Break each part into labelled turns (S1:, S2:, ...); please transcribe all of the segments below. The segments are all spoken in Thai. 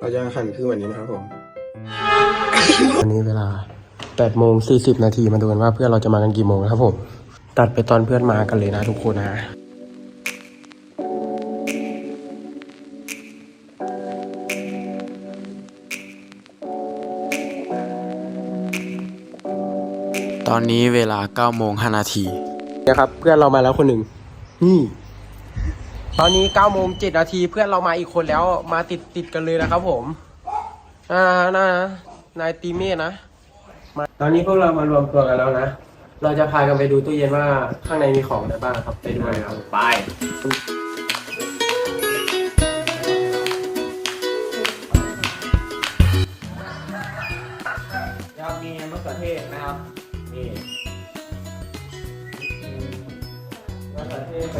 S1: เราจะหั่นครึ่งวันนี้นะครับผมวันนี้เวลา8:40 นาทีมาดูกันว่าเพื่อนเราจะมากันกี่โมงนะครับผมตัดไปตอนเพื่อนมากันเลยนะทุกคนนะตอนนี้เวลา9:05 นาทีนะครับเพื่อนเรามาแล้วคนหนึ่งนี่ตอนนี้9:07 นาทีเพื่อนเรามาอีกคนแล้วมาติดกันเลยนะครับผมนายตีเมฆนะตอนนี้พวกเรามารวมตัวกันแล้วนะเราจะพากันไปดูตู้เย็นว่าข้างในมีของอะไรบ้างครับไปดูเลยครับไปครับมีมะเขือเทศนะครับนี่มะเขือเทศ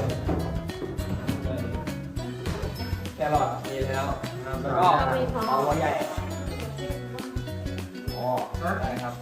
S1: แครอทมีแล้วแล้วก็หอมหัวใหญ่อ๋อได้ครับ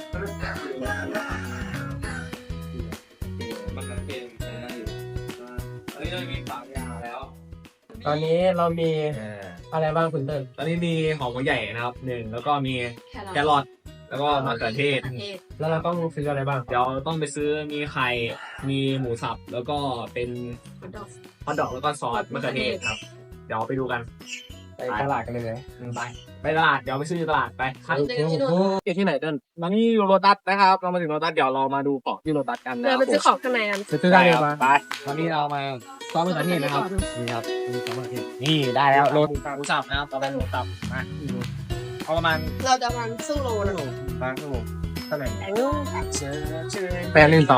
S1: มันเป็นอะไรอยู่ตอนนี้เรามี3 อย่างแล้วตอนนี้เรามีอะไรบ้างคุณเติ้ล
S2: ตอนนี้มีหอมหัวใหญ่นะครับ1แล้วก็มีแครอทแล้วก็มะเขือเทศ
S1: แล้วเราต้องซื้ออะไรบ้าง
S2: เดี๋ยวต้องไปซื้อมีไข่มีหมูสับแล้วก็เป็นฮอทดอกแล้วก็ซอสมะเขือเทศครับเดี๋ยวไปดูกัน
S1: ไปตลาดกันเลย
S2: ไปตลาดเดี๋ยวไปซื้อตลาดไป
S1: อยู่ที่ไหนเติ้ล
S2: ตอนนี้อยู่โลตัสนะครับเรามาถึงโลตัสเดี๋ยวเรามาดูของที่โลตัสกันนะ
S3: เดี๋ยวไปซื้อของข้างในกัน
S1: ซื้อได้เลย
S2: ไปตอนนี้เรามาซอสมะเขือเทศนะครับนี่ครับมีซอสมะเขือเทศนี่ได้แล้วโลหมูสับนะครับต่อไปหมูสับมาเอาประมาณ
S3: เราจะมันซึ่งโลนะ
S2: บางชั่วโมงเท่าไหร่
S1: ไปเล่นต่อ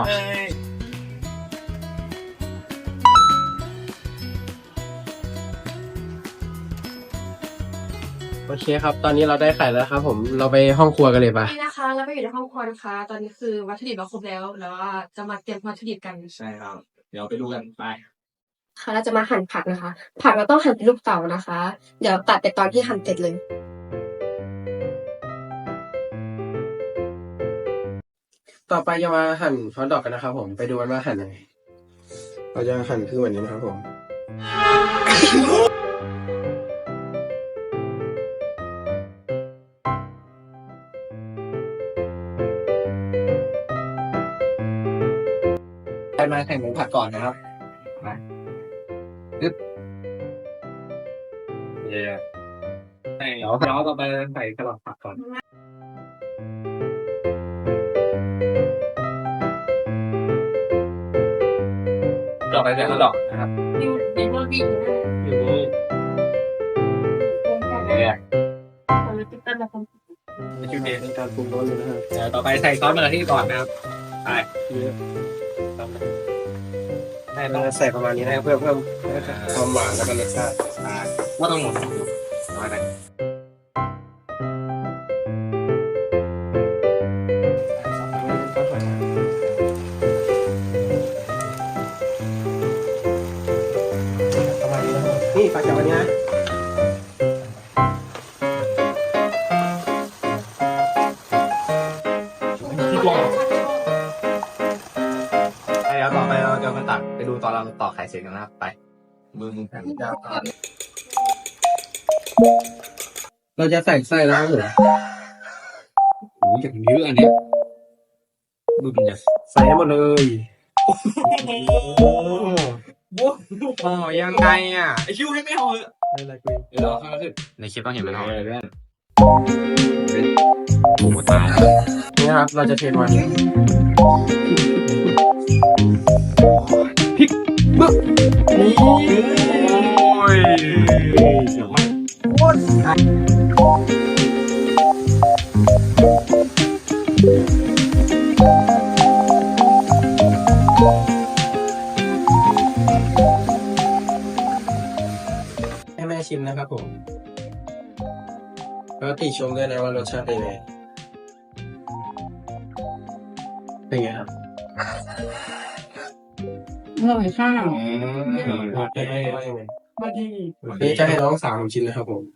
S1: โอเคครับตอนนี้เราได้ไข่แล้วครับผมเราไปห้องครัวกันเลยปะ
S3: นี่นะคะเราไปอยู่ในห้องครัวนะคะตอนนี้คือวัตถุดิบเราครบแล้วว่าจะมาเตรียมวัตถุดิบกัน
S2: ใช่ครับเดี๋ยวไปดูกันไป
S3: ค่ะเราจะมาหั่นผักนะคะผักเราต้องหั่นเป็นลูกเต๋านะคะเดี๋ยวตัดไปตอนที่หั่นเสร็จเลย
S1: ต่อไปจะมาหั่นฮอทดอกกันนะครับผมไปดูกันว่าหั่นยังไงเราจะหั่นครึ่งวันนี้นะครับผม
S2: มาแข่งหมูผัดก่อนนะครับมาปึ๊บเดี๋ยวต่อไปใส่กระหล่ำผักก่อนต่อไปเป็นกระหล่ำนะครับ
S3: เป็นพวกวิ่ง
S2: อยู่เนี่ยชุดเด่น
S1: การปรุงรสเลยนะครับ
S2: ต่อไปใส่ซอสมะเขือเทศก่อนนะครับไป
S1: ให้เราใส่ประมาณนี้นะเพื่อเพิ่มความหวานและรสชาติ
S2: ว่าต้องหมดน้อยไป
S1: ประมาณนี้นะครับนี่ปลาเก๋าอันนี้นะ
S2: ต่อไปเราจะมาตักไปดูตอนเราต่อไข่เสร็จกันนะครับไปมือแข็งยาว
S1: เราจะใส่ไส้แล้วครับผม
S2: โอ้ยอย่างเยอะอันนี้ดูดิเนี่ย
S1: ใส่หมดเลย
S2: โอ้โหยังไงอ่ะไอคิวให้ไม่เอาเลยเดี๋ยวข้างขึ้นในคลิปต้องเห็นมันเอาเลยเพื่อนโอ้โหตาย
S1: นี่ครับเราจะเทมัน
S2: พริกบึ้นี่โอ้ย
S1: ให้แม่ชิมนะครับผมแล้วติชมด้วยนะว่ารสชาติเป็นไงเป็นไงครับ
S3: อร่อยค่ะ
S1: นี่จะให้น้องสาวผมชิมนะครับผม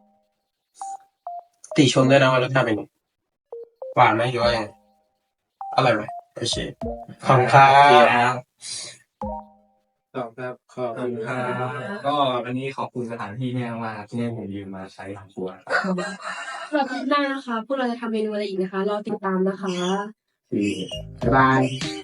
S1: ติชมด้วยนะว่ารสชาติเป็นไงหวานไหมหรือว่าอร่อยไหมโอเคขอบคุณครับ
S2: ขอบครับขอบคุณครับก็วันนี้ขอบคุณสถานที่เนี่ยมากที่ให้ผมยืมมาใช้ทำครัว
S3: สำหรับคลิปหน้านะคะ พวกเราจะทำเมนูอะไรอีกนะคะ รอติดตามนะคะ
S1: บ๊ายบาย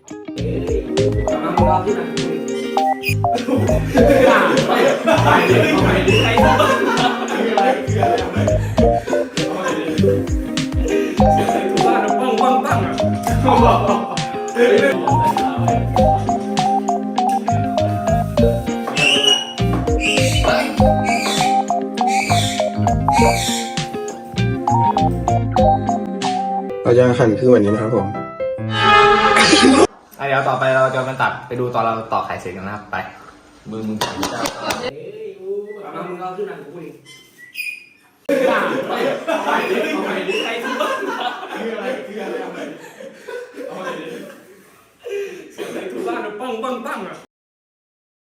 S1: เราจะหั่นคือวันนี้นะครับผม
S2: เดี๋ยวต่อไปเราจะมาตัดไปดูตอนเราต่อไข่เสร็จกันนะครับไปมึง